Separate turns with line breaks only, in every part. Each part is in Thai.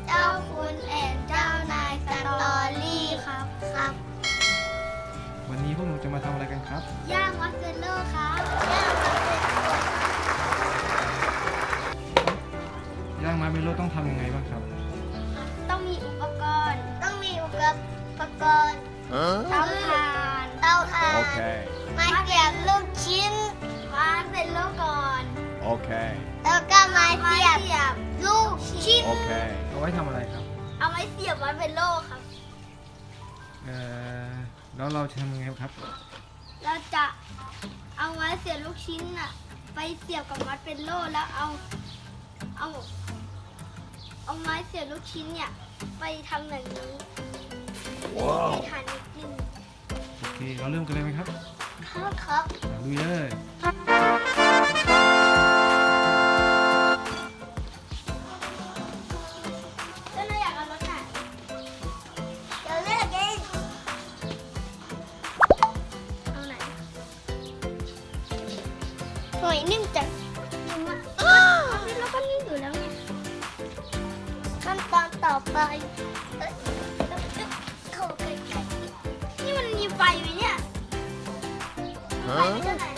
เจ้าคุณแอนเจ้านายสตอรี่ครับครับ
วันนี้พวกหนูจะมาทำอะไรกันครับ
ย่างมัสเซโล่ครับย่างมัสเซโล่
ย่างมาเมโลต้องทำยังไงบ้างครับ
ต้องมีอุปกรณ์เตาถ่าน
Okay.
มาเสียบลูกชิ้นมาเสร็จแล้วก่อน
Okay.
แล้วก็มาเสียบลูกชิ้น
Okay.
เอาไว้ทำอะไรครับ
เอาไว้เสียบมัสเซโล่ครับ
แล้วเราจะทำยังไงครับ
เราจะเอาไม้เสียบลูกชิ้นอะไปเสียบกับมัสเซโล่แล้วเอาไม้เสียบลูกชิ้นเนี่ยไปทำแบบนี้ให้ทานนิดนึง
โอเคเราเริ่มกันเลยไหมครับ
ครับ
ลุยเลย
ก็เลยอยากเอารสไหนเดี๋ยวเลือกเองเอาไหนหอยนิ่มจัดนิ่มมากแล้วก็นิ่มอยู่แล้วไงขั้นตอนต่อไปเข้าใกล้ๆนี่มันมีไฟไหมเนี่ยไฟไม่เท่าไหร่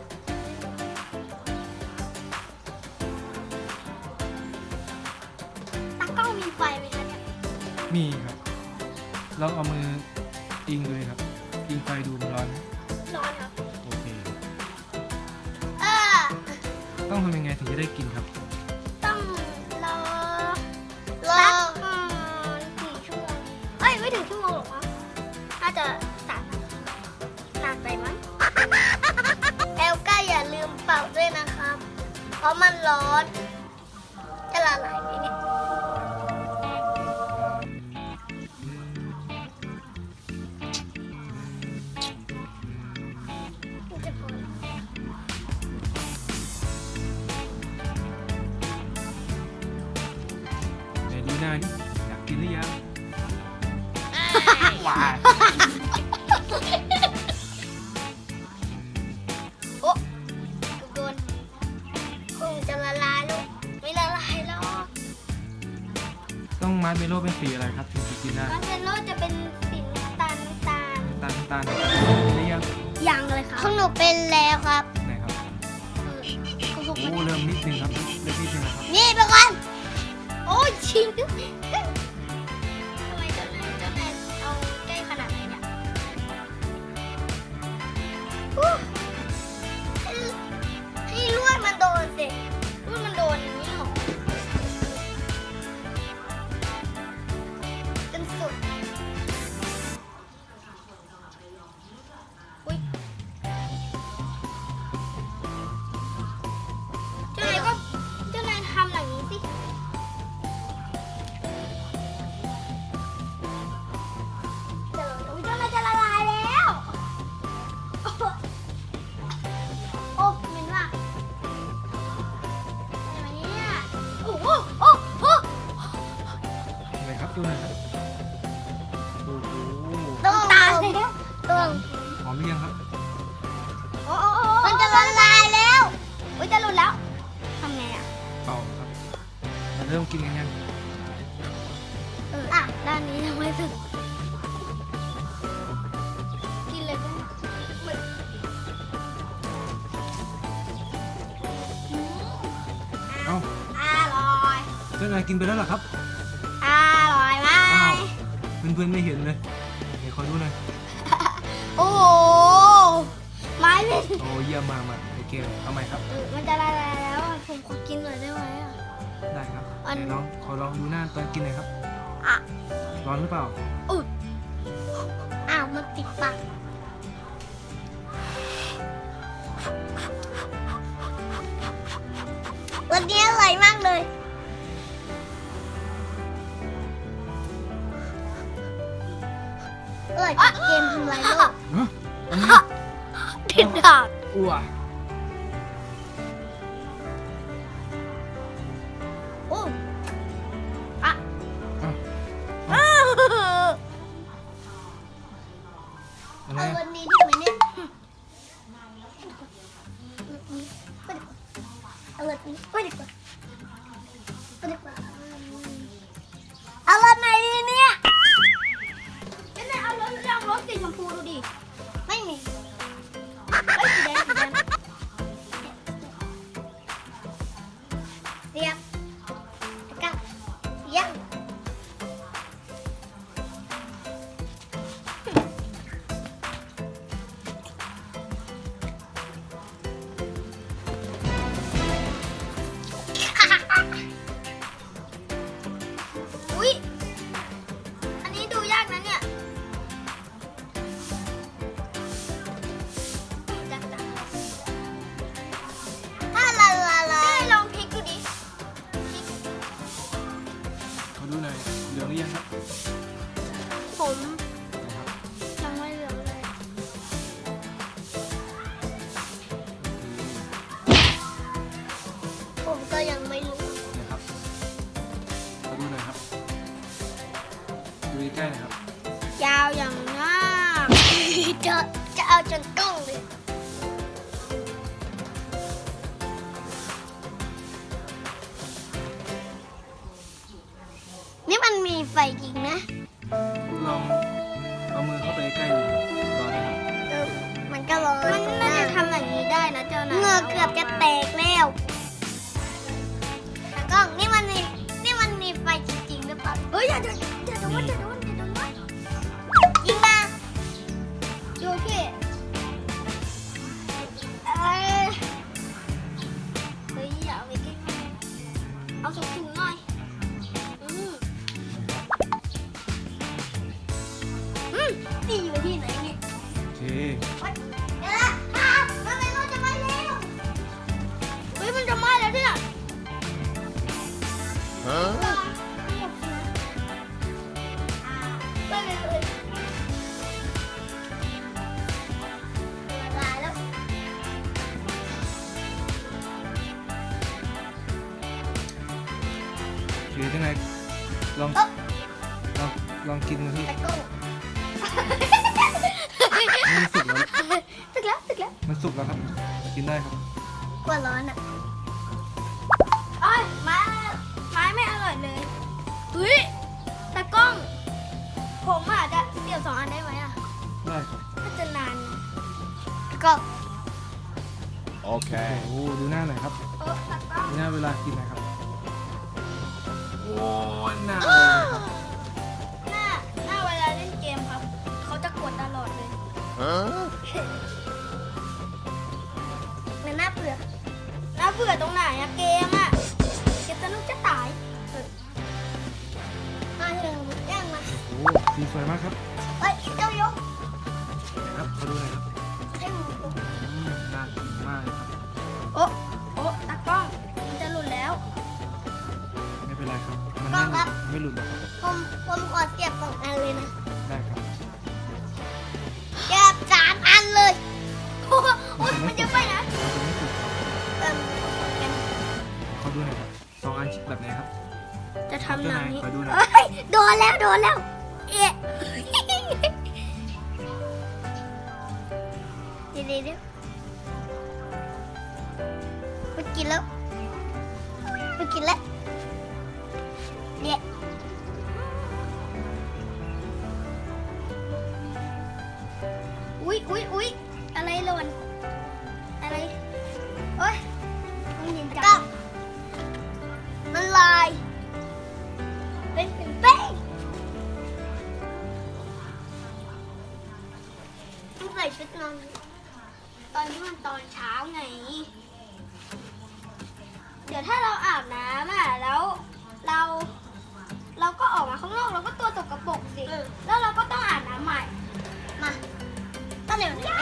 ตากล้องมีไฟไหมคะเนี่ย
มีครับ เราเอามืออิงเลยครับอิงไฟดูมันร้อนไหม
ร้อนครับ
โอเค
เออ
ต้องทำยังไงถึงจะได้กินครับ
ต้องรอสักกี่ชั่วโมงเอ้ยไม่ถึงชั่วโมงหรอกมั้งน่าจะ3 นาทีนานไปมั้งแอลก้าอย่าลืมเป่าด้วยนะครับ เพราะมันร้อนจะละลายไหมเนี่ยจะพอ
ไหนดูหน้านี่อยากกินหรือยังว้า
โอ้โดนคงจะละลายลูกไม่ละลายหรอก
ต้องมัดเมโลเป็นสีอะไรครับถึงจะกินได้
มัสเซโล่จะเป็นสีน้ำตาล
น้ำตาลหรือยัง
ยังเลยครับของหนูเป็นแล้วครับ
ไหนครับ
ของผม
โอ้เริ่มนิดนึงครับเริ่มนิดนึงนะครับ
นี่ไปก่อนโอ้ยชิงทำไมเจ้านายเอาใกล้ขนาดไหนเนี่ยอู้ให้ลวดมันโดนสิลวดมันโดนอย่างนี้หรอจนสุดอุ้ยเจ้านายทำอย่างนี้สิเจ้านายจะละลายแล้ว โอ้เหม็นว่ะอะไรเนี่ยโอ้โหโอ้โห
ไหนครับดูหน่อยครับโอ้โห
ต้องตายแล้วต้อง
หอมหรือยังครับ
โอ้มันจะละลายแล้วอุ้ยจะหลุดแล้วทำไงอ่ะ
เปล่าครับเราเริ่มกินกันยัง
อ่ะด้านนี้ยังไม่ถึงกินเลยก็เหมือน
เอ้า
อร่อย
เจ้านายกินไปแล้วเหรอครับ
อร่อยมา
อ้าว
ก
เพื่อนๆไม่เห็นเลยเดี๋ยวขอดูหน่อย
โอ้โหไม้เป็น
โอ้เยี่ยมมากมาโอเคเอาใหม่ครับ
มันจะละลายแล้วอ่ะผมขอกินหน่อยได้ไหมอ่ะ
ได้ครับ
อัน
เดี๋ยวขอลองดูหน้าตอนกินหน่อยครับ
อ่ะ
ร้อนหรือเปล่า
อุ๊ยอ้าวมันติดปากวันนี้อร่อยมากเลยอร่อยเกมทำลายโลก
ฮะอันนี้
ติดดาก
อ้ว
โอ้อะ
อ้าว อะไร
เอา
อะ
วันนี้ดีไหมเนี่ยเอาวันนี้ไปดีกว่าไปดีกว่ายังอุ๊ยอันนี้ดูยากนะเนี่ยจักถ้าลาได้ลองพลิกดูดิ
ขอดูหน่อยเหลืองหรือยังครับ
ผม
นะครับ
ยังไม่เหลืองเลย ผมก็ยังไม่รู้
นะครับขอดูหน่อยครับดูใกล้ๆหนะครับ
ยาวอย่างมากจะเอาจนกล้องเลยนี่มันมีไฟจริงนะ
ลองเอามือเข้าไปใกล้ๆดูร้อนนะครับ
มันก็ร้อนมันน่าจะทำอย่างนี้ได้นะเจ้านายเหงื่อเกือบจะแตกแล้วแต่กล้องนี่มันมีไฟจริงๆหรือเปล่าเฮ้ยอย่าโดนนะยิงมาโอเคเฮ้ยอย่าเอาไปใกล้ๆเอาสูงๆหน่อยนี่อยู่ที่ไหนเนี่ย
โอเค
เดี๋ยวนะครับทำไมมันจะไหม้แล้วเฮ้ยมันจะไหม้แล้วเนี่ยไปเลยละลายแล้ว
โอเคยังไงลองลองกินดูพี่
ตะกุ้ง
มันสุกแล้ว
ตึกแล้ว
มันสุกแล้วครับกินได้ครับ
กลัวร้อนอ่ะโอ้ยไม้ไม่อร่อยเลยเฮ้ยตะกล้อง ผมอาจจะเดี่ยว2 อันได้ไหมอ่ะ
ได้ครับ
น่าจะนานตะกล้อง
โอเคโอ้ดูหน้าหน่อยครับ
ตะกล้อง
ดูหน้าเวลากินหนะครับโอ้หน้าเลยครับ
หน้าเวลาเล่นเกมครับ เขาจะกดตลอดเลยมันน่าเบื่อตรงไหนอะเกมอะเกมสนุกจะตายมาเถอะย่างมา
โอ้สีสวยมากครับ
เฮ้ยเจ้ายก
ครับขอดูหน่อยครับ
ให้หมู
น่ากินมากเลยครับ
โอ้ตากล้องมันจะหลุดแล้ว
ไม่เป็นไรครับมัน
ลองครับ
ไม่หลุดหรอกครับ
ผมขอเก็บ2 อันเลยนะ
ได้ครับ
เก็บ3 อันเลยโอ้ยมันจะไปนะ
มันจะไม่สุกครับ
เอิ่ม
ขอดูหน่อยครับ2 อันแบบไหนครับ
จะทำหนังนี้
ขอดูหน่อย
เอ้ยโดนแล้วเอ๊ะเดี๋ยวมันกินแล้วเนี่ยอุ๊ยอะไรหล่นอะไรโอ๊ยมันเย็นจังมันลายเป็นเป้งต้องใส่ชุดนอนตอนนี้มันตอนเช้าไง เดี๋ยวถ้าเราอาบน้ำอ่ะแล้วเราก็ออกมาข้างนอกเราก็ตัวตกกระปรกสิแล้วเราก็ต้องอาบน้ำใหม่มาต้องเดี๋ยวนี้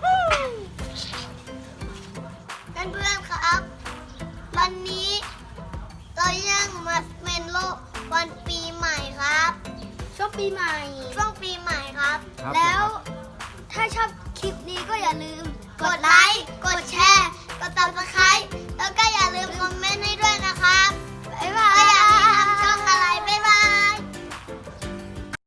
เพื่อนๆครับ วันนี้เรายังมาเมนโลวันปีใหม่ครับ ช่วงปีใหม่ครับ
ครับ
แล้วถ้าชอบคลิปนี้ก็อย่าลืมกดไลค์กดแชร์กด Subscribe แล้วก็อย่าลืมคอมเมนต์ให้ด้วยนะครับบ๊ายบาย